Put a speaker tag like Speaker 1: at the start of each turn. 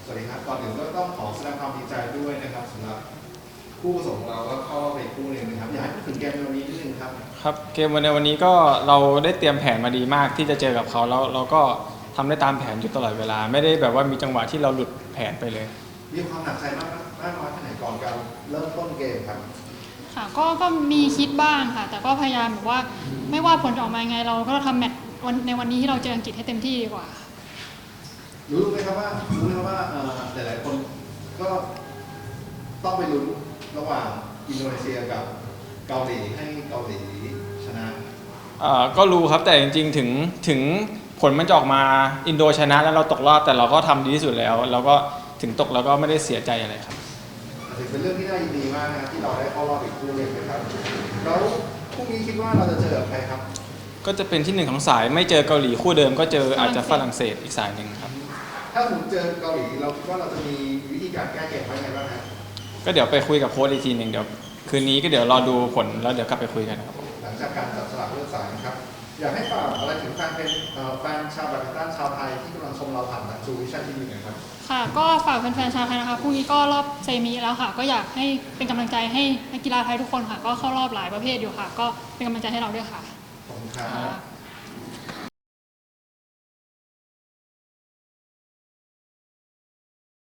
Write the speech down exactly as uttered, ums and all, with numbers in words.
Speaker 1: สวัสดีครับก่อนอื่นก็ต้องขอแสดงความดีใจด้วยนะครับสำหรับคู่ผสมของเราก็เข้ารอบไปคู่หนึ่งนะครับอยากให้พูดถึงเกมในวันนี้นิดนึงครับ
Speaker 2: ครับเกมในวันนี้ก็เราได้เตรียมแผนมาดีมากที่จะเจอกับเขาแล้วเราก็ทำได้ตามแผนอยู่ตลอดเวลาไม่ได้แบบว่ามีจังหวะที่เราหลุดแผนไปเลย
Speaker 1: มีความหนักใจมากมากน้อยแค่ไหนก่อนการเริ่มต้นเกมครับ
Speaker 3: ค่ะก็ก็มีคิดบ้างค่ะแต่ก็พยายามแบบว่าไม่ว่าผลจะออกมายังไงเราก็ทำแมตช์วันในวันนี้ที่เราเจออังกฤษให้เต็มที่ดีกว่า
Speaker 1: รู้ไหมครับว่ารู้ไหมครับว่าหลายๆคนก็ต้องไปลุ้นระหว่างอินโดนีเซียกับเกาหลีให้เกาหลีชนะ
Speaker 2: เอ่อก็รู้ครับแต่จริงๆถึงถึงผลมันจะออกมาอินโดชนะแล้วเราตกรอบแต่เราก็ทำดีที่สุดแล้วเราก็ถึงตกแล้วก็ไม่ได้เสียใจอะไรครับ
Speaker 1: ถือเป็นเรื่องที่น่ายินดีมากนะครับที่เราได้เข้ารอบอีกคู่หนึ่งนะครับแล้วพรุ่งนี้คิดว่าเราจะเจอกับใครครับ
Speaker 2: ก็จะเป็นที่หนึ่งของสายไม่เจอเกาหลีคู่เดิมก็เจออาจจะฝรั่งเศสอีกสายหนึ่งครับ
Speaker 1: ถ้าผมเจอเกาหลีเราคิดว่าเราจะมีวิธีการแก้เกมไว้ไงบ้างครับ
Speaker 2: ก็เดี๋ยวไปคุยกับโค้ชอีกทีหนึ่งเดี๋ยวคืนนี้ก็เดี๋ยวรอดูผลแล้วเดี๋ยวกลับไปคุยกันครับ
Speaker 1: หลังจากการจับสลากเลือกสายนะครับอยากให้ฝากอะไรถึงแฟนเป็นแฟนชาวแบดมินตันชาวไทยที่กำลังชมเราผ่านทางชูวิชั่นทีวีนะครับ
Speaker 3: ค่ะก็ฝากแฟนๆชาวไทยนะคะพรุ่งนี้ก็รอบเซมิแล้วค่ะก็อยากให้เป็นกำลังใจให้นักกีฬาไทยทุกคนค่ะก็เข้ารอบหลายประเภทอยู่ค่ะก็เป็นกำลังใจให้เราด้วยค่ะ
Speaker 1: ขอบคุณครับ